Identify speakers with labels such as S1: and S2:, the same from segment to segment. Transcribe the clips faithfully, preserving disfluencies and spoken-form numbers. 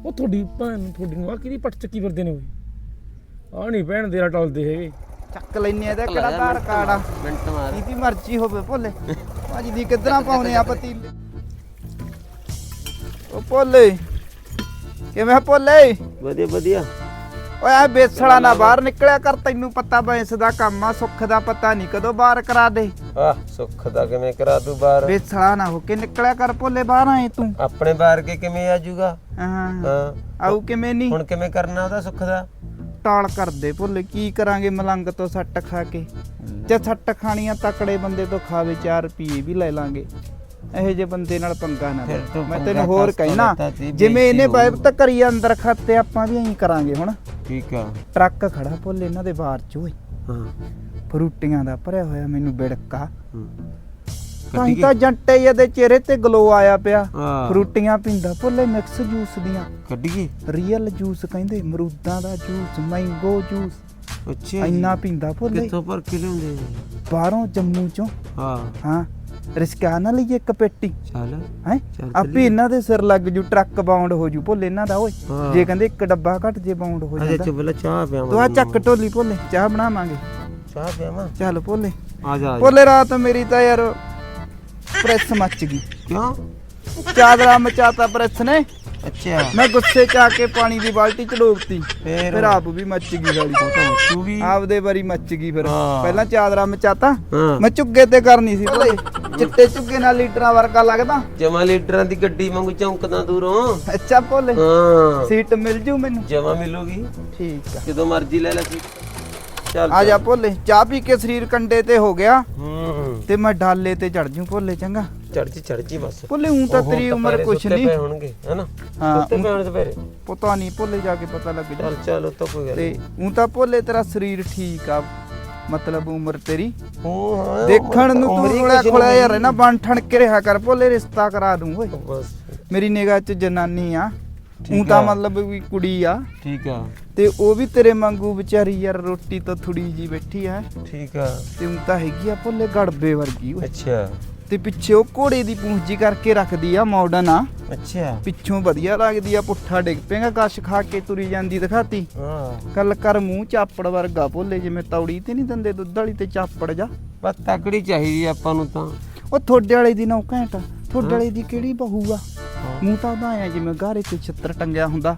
S1: ਉਹ ਤੁਹਾਡੀ ਭੈਣ ਤੁਹਾਡੀ ਨੂੰ ਆ ਕਿਹਦੀ ਪੱਟ ਚੱਕੀ ਫਿਰਦੇ ਨੇ ਓਏ ਆ ਨਹੀਂ ਭੈਣ ਤੇਰਾ ਟਲਦੇ ਹੈਗੇ
S2: ਚੱਕ ਲੈਨੇ ਇਹਦਾ ਕਿਹੜਾ ਆਧਾਰ ਕਾਰਡ ਆ
S3: ਮਿੰਟ ਮਾਰ
S2: ਜਿਹਦੀ ਮਰਜ਼ੀ ਹੋਵੇ ਭੋਲੇ ਭਾਜੀ ਦੀ ਕਿੱਧਰਾਂ ਪਾਉਨੇ ਆ ਪਤੀਲੇ ਉਹ ਭੋਲੇ ਕਿਵੇਂ ਭੋਲੇ
S3: ਵਧੀਆ ਵਧੀਆ
S2: ਓਏ ਆ ਬੇਸੜਾ ਨਾ ਬਾਹਰ ਨਿਕਲਿਆ ਕਰ ਤੈਨੂੰ ਪਤਾ ਬੈਂਸ ਦਾ ਕੰਮ ਆ ਸੁੱਖ ਦਾ ਪਤਾ ਨਹੀਂ ਕਦੋਂ ਬਾਹਰ ਕਰਾ ਦੇ
S3: ਆਹ ਸੁੱਖ ਦਾ ਕਿਵੇਂ ਕਰਾ ਤੂੰ ਬਾਹਰ
S2: ਬੇਸੜਾ ਨਾ ਹੋ ਕੇ ਨਿਕਲਿਆ ਕਰ ਭੋਲੇ ਬਾਹਰ ਆਏ ਤੂੰ
S3: ਆਪਣੇ ਬਾਹਰ ਕੇ ਕਿਵੇਂ ਆ ਜਾਊਗਾ
S2: ਹਾਂ
S3: ਹਾਂ
S2: ਆਉ ਕਿਵੇਂ ਨਹੀਂ
S3: ਹੁਣ ਕਿਵੇਂ ਕਰਨਾ ਉਹਦਾ ਸੁੱਖ ਦਾ
S2: ਟਾਲ ਕਰਦੇ ਭੋਲੇ ਕੀ ਕਰਾਂਗੇ ਮਲੰਗ ਤੋਂ ਸੱਟ ਖਾ ਕੇ ਜੇ ਸੱਟ ਖਾਣੀਆਂ ਤਕੜੇ ਬੰਦੇ ਤੋਂ ਖਾਵੇ ਚਾਰ ਰੁਪਏ ਵੀ ਲੈ ਲਾਂਗੇ ਇਹੋ ਜਿਹੇ ਬੰਦੇ ਨਾਲ ਪੰਗਾ ਨਾ ਲੈ ਮੈਂ ਤੈਨੂੰ ਹੋਰ ਕਹਿਣਾ ਜਿਵੇਂ ਇਹਨੇ ਬਾਈਬ ਤੱਕ ਕਰੀ ਅੰਦਰ ਖਾਤੇ ਆਪਾਂ ਵੀ ਐਂ ਕਰਾਂਗੇ ਹੁਣ
S3: ਠੀਕ ਆ
S2: ਟਰੱਕ ਖੜਾ ਭੋਲੇ ਇਹਨਾਂ ਦੇ ਬਾਹਰ ਚ ਓਏ
S3: ਹਾਂ
S2: ਫਰੂਟੀਆਂ ਦਾ ਭਰਿਆ ਹੋਇਆ ਮੈਨੂੰ ਬਿੜਕਾ ਤਾਂ ਤਾਂ ਜੰਟੇ ਇਹਦੇ ਚਿਹਰੇ ਤੇ ਗਲੋ ਆਇਆ ਪਿਆ ਫਰੂਟੀਆਂ ਪੀਂਦਾ ਭੋਲੇ ਮਿਕਸ ਜੂਸ ਦੀਆਂ
S3: ਕੱਢੀਏ
S2: ਰੀਅਲ ਜੂਸ ਕਹਿੰਦੇ ਅਮਰੂਦਾਂ ਦਾ ਜੂਸ ਮੈਂਗੋ ਜੂਸ
S3: ਅੱਛਾ
S2: ਇੰਨਾ ਪੀਂਦਾ ਭੋਲੇ
S3: ਕਿੱਥੋਂ ਭਰ ਕੇ ਲਿਆਉਂਦੇ
S2: ਬਾਹਰੋਂ ਜੰਮੂ ਚੋਂ
S3: ਹਾਂ
S2: ਹਾਂ ਰਿਸਕਾ ਨਾ ਲਈਏ ਇੱਕ ਪੇਟੀ
S3: ਚੱਲ
S2: ਹੈ ਆਪੇ ਇਹਨਾਂ ਦੇ ਸਿਰ ਲੱਗ ਜੂ ਟਰੱਕ ਬਾਉਂਡ ਹੋ ਜੂ ਭੋਲੇ ਇਹਨਾਂ ਦਾ ਓਏ ਜੇ ਕਹਿੰਦੇ ਇੱਕ ਡੱਬਾ ਘੱਟ ਜੇ ਬਾਉਂਡ ਹੋ ਜਾਂਦਾ
S3: ਅੱਛਾ ਚੁੱਪ ਚਾਹ ਪਿਆਵਾਂ
S2: ਤੂੰ ਆ ਚੱਕ ਢੋਲੀ ਭੋਲੇ ਚਾਹ ਬਣਾਵਾਂਗੇ
S3: ਚਾਹ ਪਿਆਵਾਂ
S2: ਚੱਲ ਭੋਲੇ
S3: ਆ ਜਾ
S2: ਭੋਲੇ ਰਾਤ ਮੇਰੀ ਤਾਂ ਯਾਰ ਪ੍ਰੈਸ ਮੱਚ ਗਈ
S3: ਕਿਉਂ
S2: ਚਾਦਰਾ ਮਚਾਤਾ ਪ੍ਰੈਸ ਨੇ
S3: ਅੱਛਾ
S2: ਮੈਂ ਗੁੱਸੇ ਚ ਆ ਕੇ ਪਾਣੀ ਦੀ ਬਾਲਟੀ ਚ ਡੋਬਤੀ
S3: ਫੇਰ
S2: ਫਿਰ ਆਪ ਵੀ ਮੱਚ ਗਈ ਗਾਲੀ
S3: ਤੂੰ ਵੀ
S2: ਆਪਦੇ ਵਾਰੀ ਮੱਚ ਗਈ ਫਿਰ
S3: ਹਾਂ।
S2: ਪਹਿਲਾਂ ਚਾਦਰਾ ਮਚਾਤਾ
S3: ਹਾਂ।
S2: ਮੈਂ ਝੁੱਗੇ ਤੇ ਕਰਨੀ ਸੀ ਭੋਲੇ ਚਿੱਟੇ ਝੁੱਗੇ ਨਾਲ ਲੀਟਰਾਂ ਵਰਗਾ ਲੱਗਦਾ
S3: ਜਮਾ ਲੀਡਰਾਂ ਦੀ ਗੱਡੀ ਵਾਂਗੂ ਚੌਂਕਦਾ ਦੂਰੋਂ
S2: ਅੱਛਾ ਭੋਲੇ
S3: ਹਾਂ
S2: ਸੀਟ ਮਿਲ ਜੂ ਮੈਨੂੰ
S3: ਜਮਾ ਮਿਲੂਗੀ
S2: ਠੀਕ ਆ
S3: ਜਦੋਂ ਮਰਜ਼ੀ ਲੈ ਲੈ ਸੀ ਚੱਲ
S2: ਆ ਜਾ ਭੋਲੇ ਚਾਹ ਪੀ ਕੇ ਸਰੀਰ ਕੰਡੇ ਤੇ ਹੋ ਗਿਆ
S3: ਹੂੰ
S2: ਤੇ ਮੈਂ ਡਾਲੇ ਤੇ ਚੜ ਜੂ ਭੋਲੇ ਚੰਗਾ
S3: ਚੜ ਜੀ ਚੜ ਜੀ ਬਸ
S2: ਭੋਲੇ ਹੂੰ ਤਾਂ ਤੇਰੀ ਉਮਰ ਕੁਛ
S3: ਸੁੱਤੇ
S2: ਨਹੀਂ
S3: ਪਏ ਹੋਣਗੇ ਹੈਨਾ
S2: ਹਾਂ,
S3: ਸੁੱਤੇ ਪਏ ਹੋਣ ਸਵੇਰੇ
S2: ਪਤਾ ਨਹੀਂ ਭੋਲੇ ਜਾ ਕੇ ਪਤਾ ਲੱਗ ਜਾ
S3: ਚੱਲ ਚੱਲ ਉਹ ਤਾਂ ਕੋਈ ਗੱਲ
S2: ਤੇ
S3: ਨਹੀਂ
S2: ਹੂੰ ਤਾਂ ਭੋਲੇ ਤੇਰਾ ਸਰੀਰ ਠੀਕ ਆ ਮਤਲਬ ਉਮਰ ਤੇਰੀ
S3: ਹੂੰ ਹਾਂ
S2: ਦੇਖਣ ਨੂੰ ਤੂੰ ਥੋੜਾ ਖੋਲਾ ਯਾਰ ਹੈ ਨਾ ਬਣ ਠਣ ਕੇ ਰਿਹਾ ਕਰ ਭੋਲੇ ਰਿਸ਼ਤਾ ਕਰਾ ਦੂੰ ਓਏ
S3: ਬਸ
S2: ਮੇਰੀ ਨਿਗਾਹ 'ਚ ਜਨਾਨੀ ਆ ਹੂੰ ਤਾਂ ਮਤਲਬ ਵੀ ਕੁੜੀ ਆ
S3: ਠੀਕ ਆ
S2: ਤੇ ਉਹ ਵੀ ਤੇਰੇ ਵਾਂਗੂ ਵਿਚਾਰੀ ਯਾਰ ਰੋਟੀ ਤੋਂ ਥੋੜੀ ਜੀ ਬੈਠੀ ਆ
S3: ਠੀਕ ਆ
S2: ਤੇ ਹੂੰ ਤਾਂ ਹੈਗੀ ਆ ਭੋਲੇ ਗੜਬੇ ਵਰਗੀ ਓਏ
S3: ਅੱਛਾ
S2: ਤੇ ਪਿੱਛੇ ਉਹ ਘੋੜੇ ਦੀ ਪੂੰਛ ਜੀ ਕਰਕੇ ਰੱਖਦੀ ਆ ਮਾਡਰਨ ਆ
S3: ਅੱਛਾ
S2: ਪਿੱਛੋਂ ਵਧੀਆ ਲੱਗਦੀ ਆ ਪੁੱਠਾ ਡਿੱਗ ਪੇਗਾ ਕਸ਼ ਖਾ ਕੇ ਤੁਰੀ ਜਾਂਦੀ ਦਿਖਾਤੀ
S3: ਹਾਂ
S2: ਗੱਲ ਕਰ ਮੂੰਹ ਚਾਪੜ ਵਰਗਾ ਭੋਲੇ ਜਿਵੇਂ ਤੌੜੀ ਤੇ ਨਹੀਂ ਦਿੰਦੇ ਦੁੱਧ ਵਾਲੀ ਤੇ ਚਾਪੜ ਜਾ
S3: ਬਸ ਤਕੜੀ ਚਾਹੀਦੀ ਆਪਾਂ ਨੂੰ ਤਾਂ
S2: ਉਹ ਥੋੜੇ ਵਾਲੇ ਦੀ ਨੌ ਘੈਂਟ ਥੋੜੇ ਵਾਲੇ ਦੀ ਕਿਹੜੀ ਬਹੂ ਆ ਮੂੰਹ ਤਾਂ ਉਹਦਾ ਆਇਆ ਜਿਵੇਂ ਗਾਰੇ ਤੇ ਛਿੱਤਰ ਟੰਗਿਆ ਹੁੰਦਾ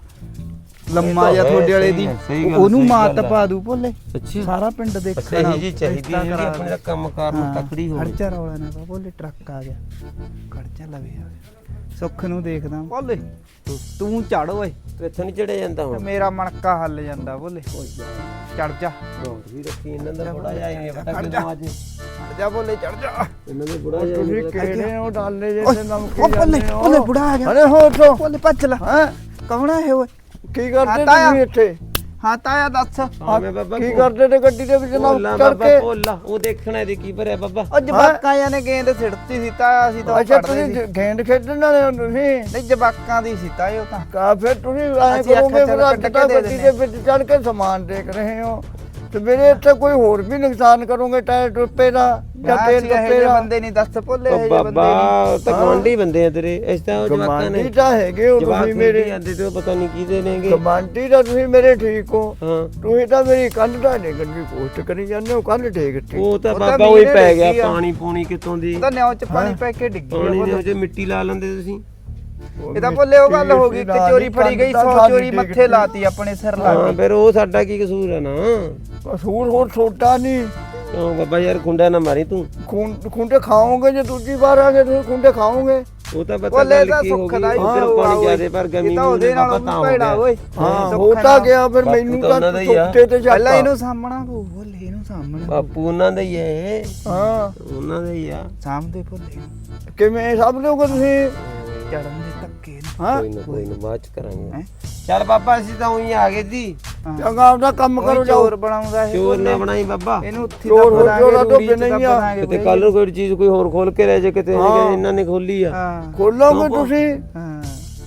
S2: ਲੰਮਾ ਜਾਂ ਥੋੜੇ ਵਾਲੇ ਦੀ ਉਹਨੂੰ ਮਾਤ ਪਾ ਦੂ ਭੋਲੇ
S3: ਅੱਛਾ
S2: ਸਾਰਾ ਪਿੰਡ ਦੇਖਣਾ
S3: ਸਹੀ ਜੀ ਚਾਹੀਦੀ ਹੈ ਜਿਹੜੀ ਆਪਣੇ ਦਾ ਕੰਮ ਕਾਰ ਨੂੰ ਤਕੜੀ ਹੋਵੇ
S2: ਖਰਚਾ ਰੌਲਾ ਨਾ ਪਾ ਭੋਲੇ ਟਰੱਕ ਆ ਗਿਆ ਖਰਚਾ ਲਵੇ ਆ ਸੁੱਖ ਨੂੰ ਦੇਖਦਾ ਭੋਲੇ ਤੂੰ ਚੜ ਓਏ
S3: ਤੂੰ ਇੱਥੋਂ ਨਹੀਂ ਚੜਿਆ ਜਾਂਦਾ ਹੁਣ
S2: ਮੇਰਾ ਮਣਕਾ ਹੱਲ ਜਾਂਦਾ ਭੋਲੇ ਚੜ ਜਾ
S3: ਰੋਡ ਵੀ ਰੱਖੀ ਇਹਨਾਂ ਦਾ ਬੜਾ ਜਾਈ ਨਹੀਂ ਪਤਾ ਕਿਦੋਂ ਅੱਜ
S2: ਚੜ ਜਾ ਭੋਲੇ ਚੜ ਜਾ
S3: ਇਹਨਾਂ ਦੇ ਬੁੜਾ ਜਾਈ
S2: ਤੁਸੀਂ
S3: ਨਹੀਂ
S2: ਕਿਹੜੇ ਉਹ ਡਾਲੇ ਜੇ ਤੇ ਨਮਕੀ ਜਾਂਦੇ ਹੋ ਭੋਲੇ ਬੁੜਾ ਆ ਗਿਆ ਅਰੇ ਹੋ ਤੋ ਭੋਲੇ ਭੱਜ ਲੈ ਹਾਂ ਕੌਣ ਹੈ ਓਏ ਕੀ ਕਰਦੇ ਤੁਸੀਂ ਇੱਥੇ ਹਾਂ ਤਾਇਆ ਦੱਸ
S3: ਹਾਂ ਬਾਬਾ
S2: ਕੀ ਕਰਦੇ ਤੇ ਗੱਡੀ ਦੇ ਵਿੱਚ
S3: ਨਾ
S2: ਚੜ ਕੇ
S3: ਭੋਲਾ ਉਹ ਦੇਖਣਾ ਇਹਦੇ ਕੀ ਭਰਿਆ ਬਾਬਾ
S2: ਉਹ ਜਵਾਕਾਂ ਜਾਂ ਨੇ ਗੇਂਦ ਸਿੱਟਤੀ ਸੀ ਤਾਇਆ ਅਸੀਂ ਤਾਂ ਅੱਛਾ ਤੁਸੀਂ ਗੇਂਦ ਖੇਡਣ ਵਾਲੇ ਹੋ ਤੁਸੀਂ ਨਹੀਂ ਜਵਾਕਾਂ ਦੀ ਸੀ ਤਾਇਆ ਉਹ ਤਾਂ ਕਾ ਫਿਰ ਤੁਸੀਂ ਐ ਕਰੋਗੇ ਮੇਰਾ ਗੱਡੀ ਦੇ ਵਿੱਚ ਚੜ ਕੇ ਸਮਾਨ ਦੇਖ ਰਹੇ ਹੋ ਤੇ ਮੇਰੇ ਇੱਥੇ ਕੋਈ ਹੋਰ ਵੀ ਨੁਕਸਾਨ ਕਰੋਗੇ ਟਾਇਰ ਟੁੱਪੇ ਦਾ ਜਾਂ ਤੇਲ ਟੁੱਪੇ ਦਾ ਬੰਦੇ ਨਹੀਂ ਦੱਸ ਭੁੱਲੇ ਇਹ ਬੰਦੇ
S3: ਬਾਬਾ ਤਾਂ ਗਵਾਂਢੀ ਬੰਦੇ ਆ ਤੇਰੇ ਇਸ ਤਾਂ ਜਵਾਕਾਂ ਨੇ
S2: ਗਵਾਂਢੀ ਤਾਂ ਹੈਗੇ ਹੋ ਤੁਸੀਂ ਮੇਰੇ
S3: ਆਂਦੇ ਤੇ ਪਤਾ ਨਹੀਂ ਕਿਹਦੇ ਨੇਗੇ
S2: ਗਵਾਂਢੀ ਤਾਂ ਤੁਸੀਂ ਮੇਰੇ ਠੀਕ ਹੋ
S3: ਹਾਂ
S2: ਤੁਸੀਂ ਤਾਂ ਮੇਰੀ ਕੰਧ ਦਾ ਡੇਗਣ ਦੀ ਕੋਸ਼ਿਸ਼ ਕਰੀ ਜਾਂਦੇ ਹੋ ਕੰਧ ਡੇਗਤੀ
S3: ਉਹ ਤਾਂ ਬਾਬਾ ਉਹੀ ਪੈ ਗਿਆ ਪਾਣੀ ਪੂਣੀ ਕਿਤੋਂ ਦੀ
S2: ਤਾਂ ਨਿਉ ਚ ਪਾਣੀ ਪੈ ਕੇ ਡਿੱਗੀ
S3: ਪਾਣੀ ਦੇ ਵਿੱਚ ਮਿੱਟੀ ਲਾ ਲੈਂਦੇ ਤੁਸੀਂ
S2: ਇਹ ਤਾਂ ਭੁੱਲੇ ਉਹ ਗੱਲ ਹੋ ਗਈ ਕਿ ਚੋਰੀ ਫੜੀ ਗਈ ਸੌ ਚੋਰੀ ਮੱਥੇ ਲਾਤੀ ਆਪਣੇ ਸਿਰ ਲਾਤੀ
S3: ਹਾਂ ਫਿਰ ਉਹ ਸਾਡਾ ਕੀ ਕਸੂਰ ਹੈ ਨਾ
S2: ਕਸੂਰ ਹੋਰ ਛੋਟਾ ਨਹੀਂ
S3: ਉਹ ਬਾਬਾ ਯਾਰ ਖੁੰਡਾ ਨਾ ਮਾਰੀ ਤੂੰ
S2: ਖੁੰਡੇ ਖਾਓਗੇ ਜੇ ਦੂਜੀ ਵਾਰ ਆਗੇ ਤੁਸੀਂ ਖੁੰਡੇ ਖਾਓਗੇ
S3: ਉਹ ਤਾਂ ਪਤਾ ਗੱਲ ਕੀ ਹੋ ਗਈ ਉਧਰ ਪਾਣੀ ਜ਼ਿਆਦੇ ਪਰ ਗਮੀ
S2: ਉਹਦੇ ਨਾਲ
S3: ਪਤਾ ਹੋ ਗਿਆ
S2: ਹਾਂ ਹੋਤਾ ਗਿਆ ਫਿਰ ਮੈਨੂੰ ਤਾਂ ਸੁੱਤੇ ਤੇ ਜਾ ਪਹਿਲਾਂ ਇਹਨੂੰ ਸਾਹਮਣਾ ਭੁੱਲੇ ਇਹਨੂੰ ਸਾਹਮਣਾ
S3: ਬਾਪੂ ਉਹਨਾਂ ਦਾ ਹੀ ਹੈ
S2: ਹਾਂ
S3: ਉਹਨਾਂ ਦਾ ਹੀ ਆ
S2: ਸਾਹਮਣੇ ਭੁੱਲੇ ਕਿਵੇਂ ਸਭ ਲੋਕ ਤੁਸੀਂ ਚੜਨ ਦੇ ਧੱਕੇ ਹਾਂ
S3: ਕੋਈ ਨਾ ਕੋਈ ਨਾ ਬਾਅਦ ਚ ਕਰਾਂਗੇ ਚੱਲ ਬਾਬਾ ਅਸੀਂ ਤਾਂ ਉਹੀ ਆ ਗਏ ਸੀ
S2: ਚੰਗਾ ਆਪਦਾ ਕੰਮ ਕਰੋ ਚੋਰ ਬਣਾਉਂਦਾ ਇਹ
S3: ਚੋਰ ਨਾ ਬਣਾਈ ਬਾਬਾ
S2: ਇਹਨੂੰ ਉੱਥੇ ਦਾ ਬਣਾ ਕੇ ਨਹੀਂ ਆ
S3: ਕਿਤੇ ਕੱਲ ਨੂੰ ਕੋਈ ਚੀਜ਼ ਕੋਈ ਹੋਰ ਖੋਲ ਕੇ ਰਹਿ ਜਾ ਕਿਤੇ ਇਹਨਾਂ ਨੇ ਖੋਲੀ ਆ
S2: ਖੋਲੋਗੇ ਤੁਸੀਂ
S3: ਹਾਂ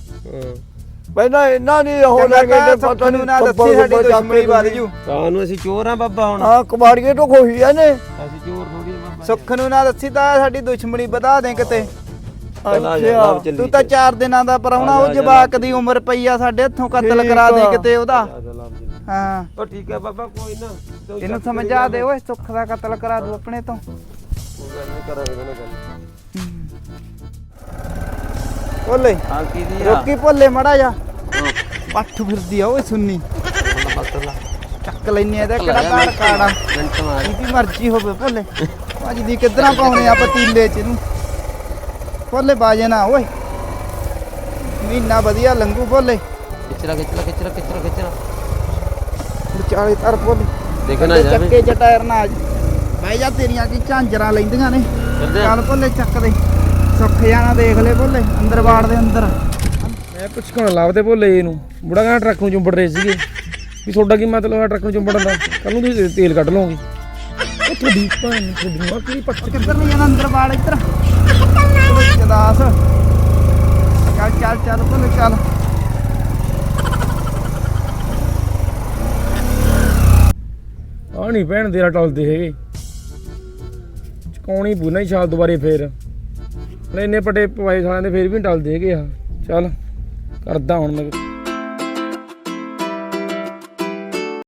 S2: ਪਹਿਲਾਂ ਇਹਨਾਂ ਨੇ ਹੋ ਲੱਗੇ ਤੇ ਪਤਾ ਨਹੀਂ ਨਾ ਦੱਸੀ ਸਾਡੀ ਦੁਸ਼ਮਣੀ ਵੱਧ ਜੂ
S3: ਕਾਹਨੂੰ ਅਸੀਂ ਚੋਰ ਆ ਬਾਬਾ ਹੁਣ
S2: ਹਾਂ ਕੁਮਾਰੀਏ ਤੋਂ ਖੋਹੀ ਆ ਨੇ
S3: ਅਸੀਂ ਚੋਰ ਥੋੜੀ ਬਾਬਾ
S2: ਸੁੱਖ ਨੂੰ ਨਾ ਦੱਸੀ ਤਾਂ ਸਾਡੀ ਦੁਸ਼ਮਣੀ ਵਧਾ ਦੇ ਕਿਤੇ
S3: ਚਲਾ ਜਾ ਲੱਭ ਚੱਲੀ
S2: ਤੂੰ ਤਾਂ ਚਾਰ ਦਿਨਾਂ ਦਾ ਪਰਾਉਣਾ ਉਹ ਜਵਾਕ ਦੀ ਉਮਰ ਪਈ ਆ ਸਾਡੇ ਹੱਥੋਂ ਕਤਲ ਕਰਾ ਦੇ ਕਿਤੇ ਉਹਦਾ ਹਾਂ
S3: ਉਹ ਠੀਕ ਹੈ ਬਾਬਾ ਕੋਈ ਨਾ ਤੂੰ
S2: ਇਹਨੂੰ ਸਮਝਾ ਦੇ ਓਏ ਸੁੱਖ ਦਾ ਕਤਲ ਕਰਾ ਦੂ ਆਪਣੇ ਤੋਂ
S3: ਕੋਈ ਗੱਲ ਨਹੀਂ ਕਰਾਂਗੇ ਇਹਦੇ ਨਾਲ ਗੱਲ
S2: ਭੋਲੇ
S3: ਹਾਂ ਕੀ ਦੀ ਆ
S2: ਰੋਕੀ ਭੋਲੇ ਮੜਾ ਜਾ ਪੱਠ ਫਿਰਦੀ ਆ ਓਏ ਸੁੰਨੀ
S3: ਮਸਲਾ
S2: ਚੱਕ ਲੈਨੇ ਇਹਦਾ ਕਿਹੜਾ ਕਾਰ ਕਾੜਾ
S3: ਮਿੰਟ ਮਾਰ
S2: ਜਿਹਦੀ ਮਰਜ਼ੀ ਹੋਵੇ ਭੋਲੇ ਭਾਜੀ ਦੀ ਕਿੱਧਰਾਂ ਪਾਉਣੇ ਆ ਪਤੀਲੇ ਚ ਇਹਨੂੰ ਭੋਲੇ ਬਾਜੇ ਨਾ ਓਏ ਮਹੀਨਾ ਵਧੀਆ ਲੰਘੂ ਭੋਲੇ
S3: ਖਿੱਚਰਾ ਖਿੱਚਰਾ ਖਿੱਚਰਾ ਖਿੱਚਰਾ ਖਿੱਚਰਾ
S2: ਵਿਚਾਲੇ ਤਰ ਭੋਲੇ
S3: ਦੇਖਣਾ ਜਾਵੇ
S2: ਚੱਕੇ ਚ ਟਾਇਰ ਨਾ ਆ ਬਹਿ ਜਾ ਤੇਰੀਆਂ ਕੀ ਝਾਂਜਰਾਂ ਲੈਂਦੀਆਂ ਨੇ ਚੱਲ ਭੋਲੇ ਚੱਕ ਦੇ ਸੁੱਖ ਜਾਣਾ ਦੇਖ ਲੈ ਭੋਲੇ ਅੰਦਰ ਬਾੜ ਦੇ ਅੰਦਰ
S1: ਮੈਂ ਪੁੱਛਣਾ ਲੱਭਦੇ ਭੋਲੇ ਇਹਨੂੰ ਬੁੜਾ ਕਹਿੰਦਾ ਟਰੱਕ ਨੂੰ ਚੁੰਬੜ ਰਹੇ ਸੀਗੇ ਵੀ ਤੁਹਾਡਾ ਕੀ ਮਤਲਬ ਹੈ ਟਰੱਕ ਨੂੰ ਚੁੰਬੜਨ ਦਾ ਕੱਲ ਨੂੰ ਤੁਸੀਂ ਤੇਲ ਕੱਢ ਲਓਗੇ ਉਹ ਤੁਹਾਡੀ ਭੈਣ ਤੁਹਾਡੀ ਮਾਂ ਕਿਹੜੀ ਪੱਟ
S2: ਕਿੱਧਰ ਨਹੀਂ ਜਾਣਾ ਅੰਦਰ ਬਾੜ ਇੱਧਰ ਜਦਾਸ ਚੱਲ ਚੱਲ ਚੱਲ ਭੋਲੇ ਚੱਲ
S1: ਆ ਨਹੀਂ ਭੈਣ ਤੇਰਾ ਟਲਦੇ ਹੈਗੇ ਚਕਾਉਣੀ ਪੂਨਾ ਹੀ ਛਾਲ ਦੁਬਾਰੇ ਫੇਰ ਇੰਨੇ ਪੱਟੇ ਪਵਾਏ ਸਾਲਿਆਂ ਦੇ ਫੇਰ ਵੀ ਨਹੀਂ ਟਲਦੇ ਹੈਗੇ ਆ ਚੱਲ ਕਰਦਾ ਹੁਣ ਮੈਂ